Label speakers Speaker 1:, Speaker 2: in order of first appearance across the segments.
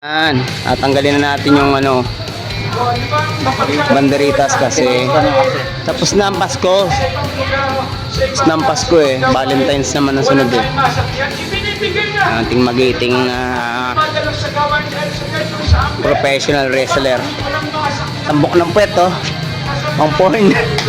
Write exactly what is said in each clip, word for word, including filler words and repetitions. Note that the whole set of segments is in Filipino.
Speaker 1: Yan, at tanggalin na natin yung ano banderitas kasi tapos na ang Pasko. Tapos na ang Pasko eh. Valentine's naman ang sunod eh. Ating magiting uh, professional wrestler. Tambok ng puwet oh. Pang porn.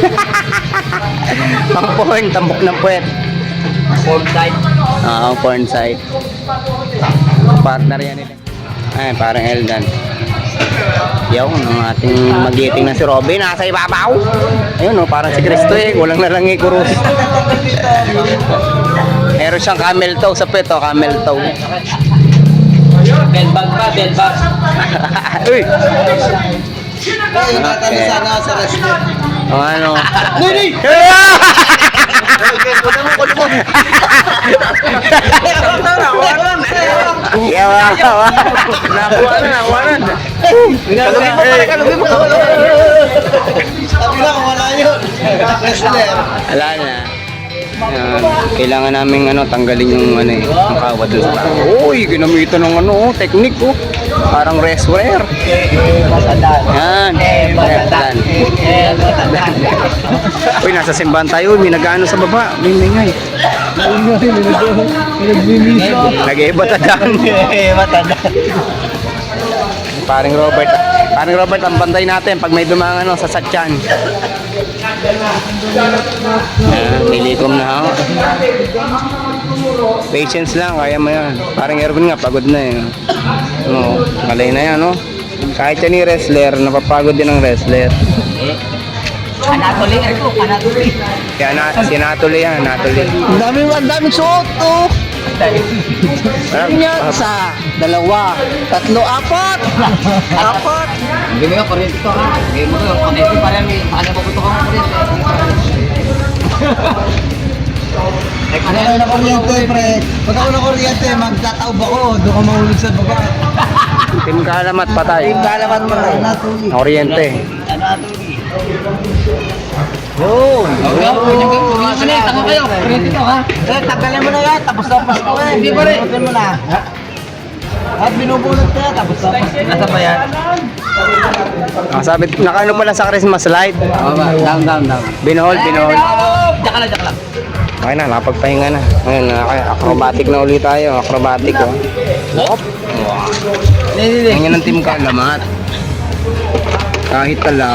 Speaker 1: Pang porn, tambok ng puwet.
Speaker 2: Porn site.
Speaker 1: Oo, porn site. Partner yan ito. Ay, parang Eldan. Yung ang ating magiting na si Robin nasa ibabaw. Ayun oh, parang si Cristo eh, kulang na lang i-kurus. Meron siyang camel toe sa peto, camel toe.
Speaker 2: Bell bag pa, bell bag.
Speaker 1: Uy.
Speaker 3: Ay, natalo sana ako sa wrestler.
Speaker 1: O ano?
Speaker 3: Nini!
Speaker 1: Yawa, yawa. Nakuha na, nakuha na.
Speaker 3: Kalugin mo pala, kalugin mo. Sabi na, wala yun. Wrestler.
Speaker 1: Wala na. Yan. Kailangan namin ano, tanggalin yung ano eh, ang kawad doon sa tao. Uy, ginamitan ng ano, technique oh. Parang wrestler. Yan. Yan. Uy, nasa simbahan tayo. May nag-ano sa baba. May mingay. Nag-iba tadaan. Paring Robert. Paring Robert, ang bantay natin pag may dumang ano, sa satyan. Yan, nilikom na ako. Patience lang, kaya mo yan. Parang Erwin nga, pagod na eh. No, malay na yan, no? Kahit yan yung wrestler, napapagod din ang wrestler.
Speaker 2: Anatoly, Erko, Anatoly.
Speaker 1: Kaya na, si Natuli yan, Natuli.
Speaker 3: Ang daming, ang daming suot, oh. Ganyan, isa, dalawa, tatlo, apat. Apat.
Speaker 2: Bigyan mo yung kuryente ko ha. Bigyan mo yung kuryente para may paano puputo ko ng kuryente.
Speaker 3: Ano ako na kuryente, pre? Pag ako na kuryente, magtataob ako. Doon ka mahulog sa baba.
Speaker 1: Team Kalamat patay.
Speaker 3: Kalaman mo na. Natuli.
Speaker 1: Oriente.
Speaker 2: Anatoly.
Speaker 3: Yun.
Speaker 2: Okay, kunyang kayo, kunyang ka na eh. Tanga kayo, kuryente to ha.
Speaker 3: Eh, tagalin mo na yan. Tapos na Pasko ka eh.
Speaker 2: Hindi pa rin.
Speaker 3: Binubunutin mo na. At binubunot ka, tapos na Pasko.
Speaker 2: Nasa ba yan?
Speaker 1: Ah, sabi, nakaano pala sa Christmas light.
Speaker 2: Oo ba? Down, down, down.
Speaker 1: Binohold, binohold.
Speaker 2: Diyan ka lang, diyan ka lang.
Speaker 1: Okay na, nakapagpahinga na. Ngayon, okay, acrobatic na ulit tayo. Acrobatic, oh. Hop. Wow. Ganyan ang Team Kalamat. Kahit talab.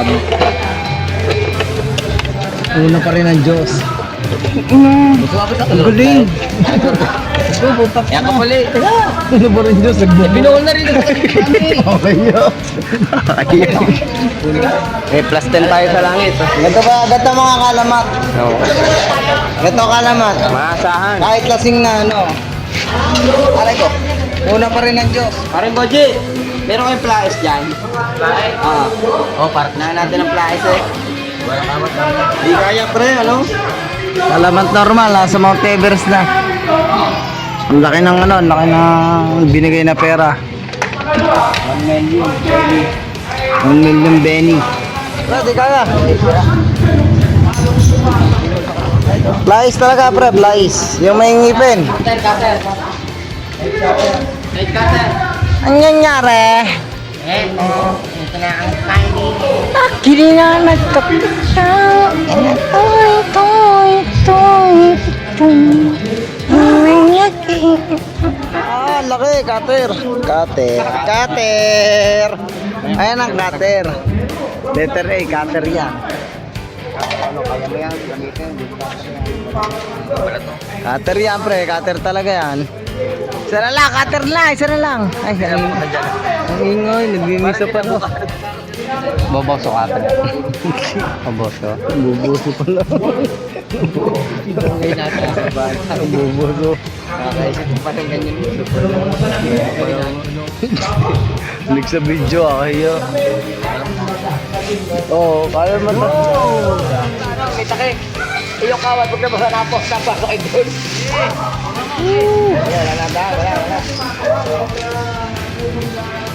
Speaker 3: Una pa rin ang Diyos.
Speaker 2: Ang galing. Yan ka pala eh.
Speaker 3: Una pa rin ang Diyos.
Speaker 2: Binuhol na rin.
Speaker 3: Okay yun.
Speaker 1: Ayun. Eh, plus ten tayo sa langit. Oh.
Speaker 3: Ganito ba, ganito mga kalamat.
Speaker 1: No.
Speaker 3: Ganito kalamat.
Speaker 1: Maasahan.
Speaker 3: Kahit lasing na ano. Aray ko. Una pa rin ang Diyos.
Speaker 2: Parang Boji, meron kayong flyers dyan? Flyers? Oo. Oh, parang na natin ang flyers eh.
Speaker 3: Di kaya pre, ano? Kalamat normal, ha? Sa Mount Everest na. Ang laki ng ano, ang laki ng binigay na pera.
Speaker 2: one million.
Speaker 3: One million Benny. Pre, di kaya. Flies talaga pre, flies. Yung may ngipin.
Speaker 2: Cutter, cutter. Right cutter.
Speaker 3: Ang nangyari?
Speaker 2: Eh, ito na ang candy.
Speaker 3: Akili na nagkapita. Ito, ito, ito, ito. Ah, laki, cutter. Cutter, cutter. Ayan ang cutter. Letter A, cutter yan. Ano, kaya mo yan, gamitin. Cutter yan, pre. Cutter talaga yan. Isa na lang, cutter na, isa na lang. Ay, ang, ang ingoy, nagmimisa pa no.
Speaker 1: Boboso ka pa. Boboso.
Speaker 3: Bubuso pala.
Speaker 2: Ay, natin sa bahay.
Speaker 3: Ang bubuso.
Speaker 2: Kakaisip ko pa ng ganyan.
Speaker 3: Click sa video ah, kaya. Oo, kaya mo na.
Speaker 2: Kita kayo. Iyong kawat, huwag na ba sa napos, napos kay Dol.
Speaker 3: Wala na, wala, wala.